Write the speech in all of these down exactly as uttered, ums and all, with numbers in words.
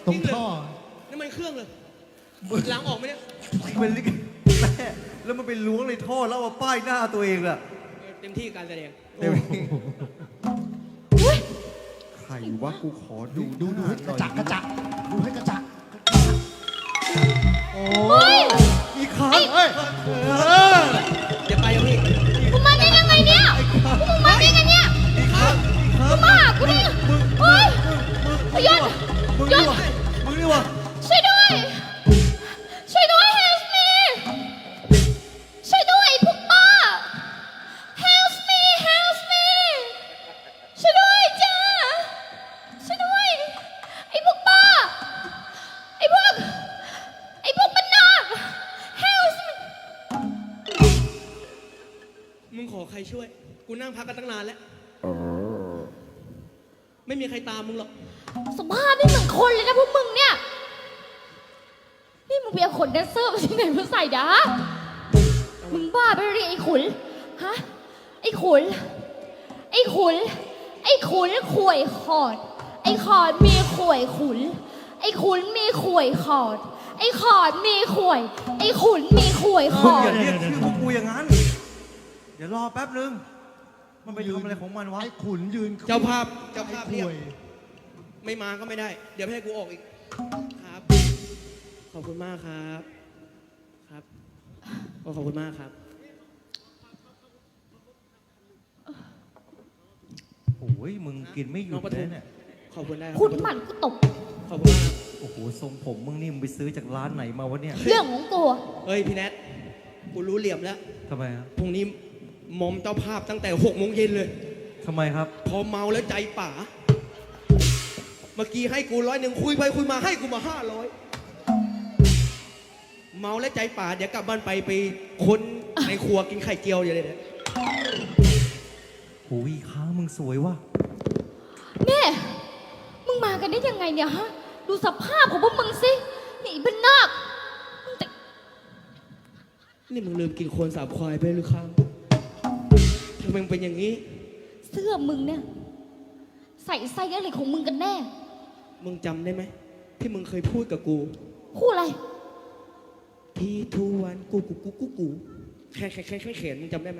ตรงท่อนี่มันเครื่องเลยล้างออกไหมเนี่ยมันลิกแม่แล้วมันไปล้วงในท่อแล้วเอาป้ายหน้าตัวเองล่ะเต็มที่การแสดงเต็มที่ใครวะกูขอดูดูดูให้กระจักกระจักดูให้กระจักโอ้อีกครั้งเอ้ยเดี๋ยวไปยังพี่กูมาได้ยังไงเนี่ยกูมาได้ยังไงเนี่ยกูมากูได้เฮ้ยหยุดหยุดมึงนี่วะช่วยด้วยช่วยด้วย help me ช่วยด้วยพวกบ้า help me help me ช่วยด้วยจ้าช่วยด้วยไอ้พวกบ้าไอ้พวกไอ้พวกบ้านนอก help me มึงขอใครช่วยกูนั่งพักกันตั้งนานแล้วไม่มีใครตามมึงหรอกสภาพไม่เหมือนคนเลยนะพวกมึงเนี่ยนี่มึงไปเอาขนแดนเซอร์มาที่ไหนมาใส่ดะมึงบ้าไปเลยไอ้ขุนฮะไอ้ขุนไอ้ขุนไอ้ขุนข่วยขอดไอ้ขอดมีข่วยขุนไอ้ขุนมีข่วยขอดไอ้ขอดมีข่วยไอ้ขุนมีข่วยขอดอย่าเรียกชื่อพวกกูอย่างนั้นเดี๋ยวรอแป๊บนึงมันไปทำอะไรของมันวะไอ้ขุนยืนเจ้าภาพเจ้าภาพเรียกไม่มาก็ไม่ได้เดี๋ยวให้กูออกอีกครับขอบคุณมากครับครับขอบคุณมากครับโอ้ยมึงกินไม่หยุดเลยเนี่ยขอบคุณได้คุณหมั่นกูตบขอบคุณมากโอ้โหทรงผมมึงนี่มึงไปซื้อจากร้านไหนมาวะเนี่ยเรื่องของกูเฮ้ยพี่แนทกูรู้เหลี่ยมแล้วทำไมครับพรุ่งนี้มอมเจ้าภาพตั้งแต่หกโมงเย็นเลยทำไมครับพอเมาแล้วใจป่าเมื่อกี้ให้กูร้อยหนึ่งคุยไปคุยมาให้กูมาห้าร้อยเมาแล้วใจป่าเดี๋ยวกลับบ้านไปไปค้นในครัวกินไข่เจียวอย่างเงี้ยโอ้ยค้ามึงสวยว่ะแม่มึงมากันได้ยังไงเนี่ยฮะดูสภาพของพวกมึงสินี่เป็นนอกนี่มึงลืมกินโคลนสาบควายไปหรือครับทำไมมึงเป็นอย่างนี้เสื้อมึงเนี่ยใส่ไส้อะไรของมึงกันแน่มึงจำได้ไหมที่มึงเคยพูดกับกูพูดอะไรทีทูวันกูกูกูกูกูแค่แค่แค่แค่เขียนมึงจำได้ไหม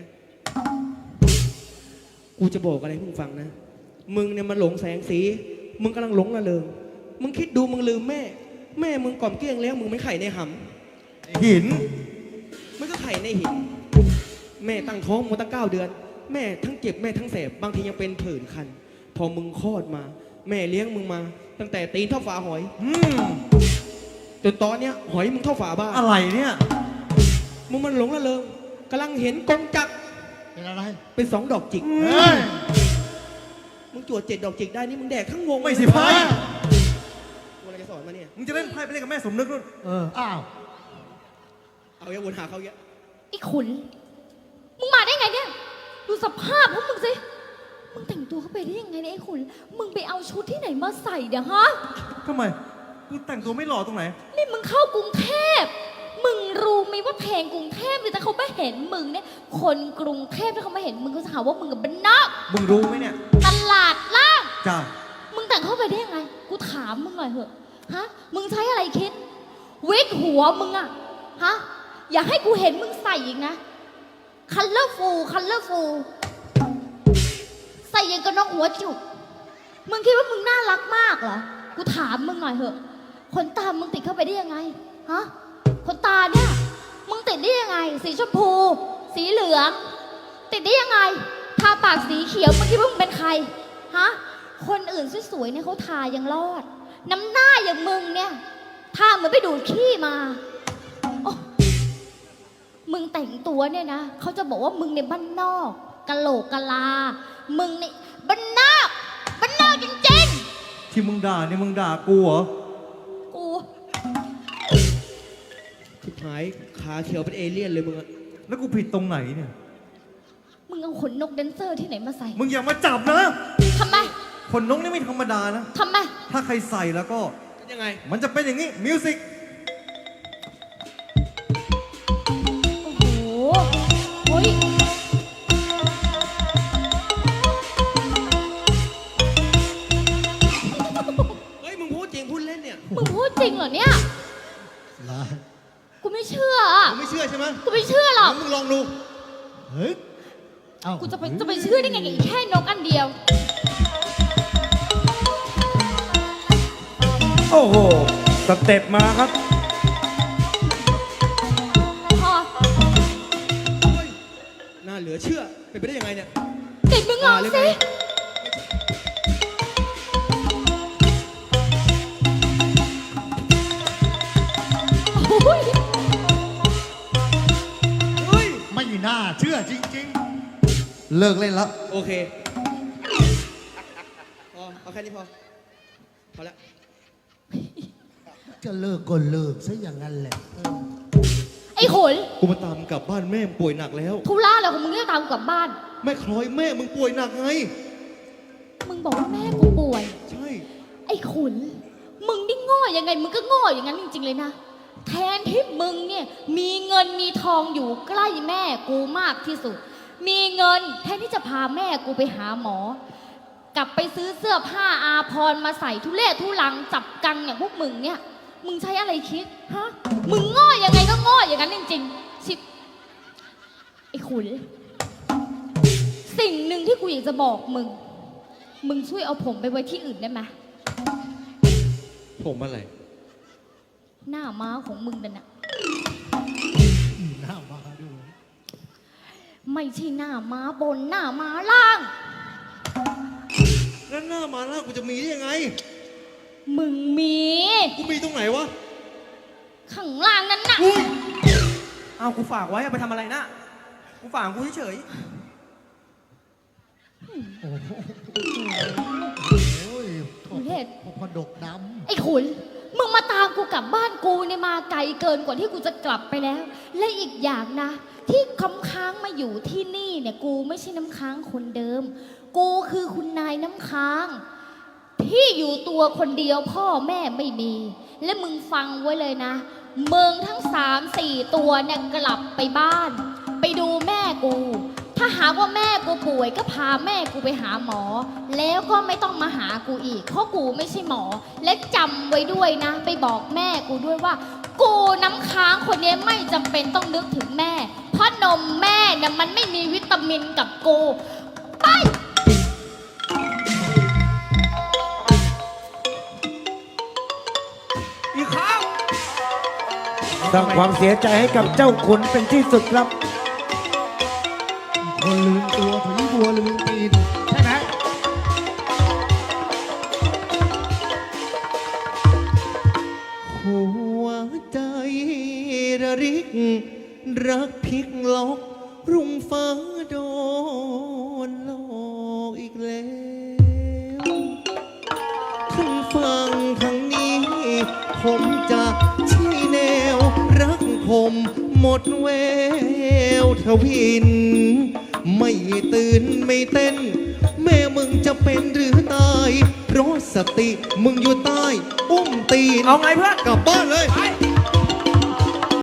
กูจะบอกอะไรมึงฟังนะมึงเนี่ยมันหลงแสงสีมึงกำลังหลงระเริงมึงคิดดูมึงลืมแม่แม่มึงกล่อมเกลี้ยงแล้วมึงไม่ไข่ในหำหินมันก็ไข่ในหินแม่ตั้งท้องมาตั้งเก้าเดือนแม่ทั้งเจ็บแม่ทั้งแสบบางทียังเป็นผื่นคันพอมึงคลอดมาแม่เลี้ยงมึงมาตั้งแต่ตีนเท่าฝาหอยจนตอนเนี้ยหอยมึงเท่าฝาบ้านอะไรเนี่ยมึงมันหลงระเริงกำลังเห็นกงจักรเป็นอะไรเป็นสองดอกจิกมึงจวดเจ็ดดอกจิกได้นี่มึงแดกทั้งวงไม่สิไพ่กูอะไรจะสอนมาเนี่ยมึงจะเล่นไพ่ไปเล่นกับแม่สมนึกนู่นเอออ้าวเอาเยอะวนหาเขาเยอะไอ้ขุนมึงมาได้ไงเนี่ยดูสภาพพวกมึงสิมึงแต่งตัวเข้าไปได้ยังไงเนี่ยไอ้ขุนมึงไปเอาชุดที่ไหนมาใส่เดี๋ยวฮะทำไมกูแต่งตัวไม่หล่อตรงไหนนี่มึงเข้ากรุงเทพมึงรู้ไหมว่าเพลงกรุงเทพแต่เขาไม่เห็นมึงเนี่ยคนกรุงเทพถ้าเขาไม่เห็นมึงก็จะหาว่ามึงกับบ้านนอกมึงรู้ไหมเนี่ยตลาดล่างจ้ามึงแต่งเข้าไปได้ยังไงกูถามมึงหน่อยเถอะฮะมึงใช้อะไรคิดวิกหัวมึงอะฮะอย่าให้กูเห็นมึงใส่อีกนะคัลเลอร์ฟูลคัลเลอร์ฟูลใส่ยังกับน้องหัวจุกมึงคิดว่ามึงน่ารักมากเหรอกูถามมึงหน่อยเถอะขนตามึงติดเข้าไปได้ยังไงฮะขนตาเนี่ยมึงติดได้ยังไงสีชมพูสีเหลืองติดได้ยังไงทาปากสีเขียวมึงคิดว่ามึงเป็นใครฮะคนอื่นสวยๆเนี่ยเขาทายังรอดน้ำหน้าอย่างมึงเนี่ยทาเหมือนไปดูดขี้มามึงแต่งตัวเนี่ยนะเขาจะบอกว่ามึงในบ้านนอกกะโหลกกะลามึงในบ้านนอกบ้านนอกจริงๆที่มึงด่านี่มึงด่ากูเหรอกูสุดท้ายขาเขียวเป็นเอเลี่ยนเลยมึงอะแล้วกูผิดตรงไหนเนี่ยมึงเอาขนนกแดนเซอร์ที่ไหนมาใส่มึงอย่ามาจับนะทำไมขนนกนี่ไม่ธรรมดานะทำไมถ้าใครใส่แล้วก็ยังไงมันจะเป็นอย่างนี้มิวสิกโอ้ยเฮ้ยมึงพูดจริงพูดเล่นเนี่ยมึงพูดจริงเหรอเนี่ยเหรอกูไม่เชื่ออะมึงไม่เชื่อใช่ไหมกูไม่เชื่อหรอกงั้นมึงลองดูเฮ้ยเอ้ากูจะไปจะไปเชื่อได้ไงกับอีแค่นกอันเดียวโอ้โห สเต็ปมาครับพอเฮ้ยน่าเหลือเชื่อ เป็นไปได้ยังไงเนี่ยติดมึงลองมาเลยสิไหมโอ้ยเฮ้ยไม่น่าเชื่อจริงเลิกเล่นแล้วโอเค พอ เอาแค่นี้พอ พอแล้วๆ จะเลิกก็เลิกซะอย่างนั้นแหละเออไอ้ขนกูมาตามกลับบ้านแม่มึงป่วยหนักแล้วทุล่าอะไรของมึงเนี่ยตามกูกลับบ้านแม่คล้อยแม่มึงป่วยหนักไงมึงบอกว่าแม่กูป่วยใช่ไอ้ขุน มึงนี่โง่ยังไง มึงก็โง่อย่างนั้นจริงๆเลยนะ แทนที่มึงเนี่ยมีเงินมีทองอยู่ใกล้แม่กูมากที่สุด มีเงินแทนที่จะพาแม่กูไปหาหมอ กลับไปซื้อเสื้อผ้าอาภรณ์มาใส่ทุเรศทุลังจับกังอย่างพวกมึงเนี่ย มึงใช้อะไรคิดฮะ มึงโง่ยังไงก็โง่อย่างนั้นจริงๆชิบไอ้ขุน สิ่งหนึ่งที่กูอยากจะบอกมึง มึงช่วยเอาผมไปไว้ที่อื่นได้ไหมผมอะไรหน้าม้าของมึงนั่นน่ะหน้ามาดูไม่ใช่หน้าม้าบนหน้าม้าล่างแล้วหน้ามาล่ากูจะมีได้ยังไงมึงมีกูมีตรงไหนวะข้างล่างนั่นน่ะอุ้ยเอากูฝากไว้เอาไปทำอะไรนะ กูฝากกูเฉยโอ้ยโทษเทศพอดกดไอ้ขุน มึงมาตามกูกลับบ้านกูเนี่ยมาไกลเกินกว่าที่กูจะกลับไปแล้ว และอีกอย่างนะ ที่ค้ำค้างมาอยู่ที่นี่เนี่ยกูไม่ใช่น้ำค้างคนเดิม กูคือคุณนายน้ำค้าง ที่อยู่ตัวคนเดียวพ่อแม่ไม่มี และมึงฟังไว้เลยนะเมืองทั้งสามสี่ตัวเนี่ยกลับไปบ้าน ไปดูแม่กู ถ้าหากว่าแม่กูป่วยก็พาแม่กูไปหาหมอ แล้วก็ไม่ต้องมาหากูอีก เพราะกูไม่ใช่หมอ และจำไว้ด้วยนะ ไปบอกแม่กูด้วยว่า กูน้ำค้างคนนี้ไม่จำเป็นต้องนึกถึงแม่ เพราะนมแม่เนี่ยมันไม่มีวิตามินกับกูไปๆ อีกครั้งสร้างความเสียใจให้กับเจ้าขุนเป็นที่สุดครับำคนลืมตัวผีบัวลืมตีนใช่ไหมหัวใจระริก รักพลิกล็อกรุ่งฟ้าโดนหลอกอีกแล้วทั้งฟังทั้งนี้ ผมจะชี้แนว รักผมหมดแววทวิน ไม่ตื่นไม่เต้น แม่มึงจะเป็นหรือตาย เพราะสติมึงอยู่ใต้ อุ้มตีนเอาไงเพื่อนกลับบ้านเลยไป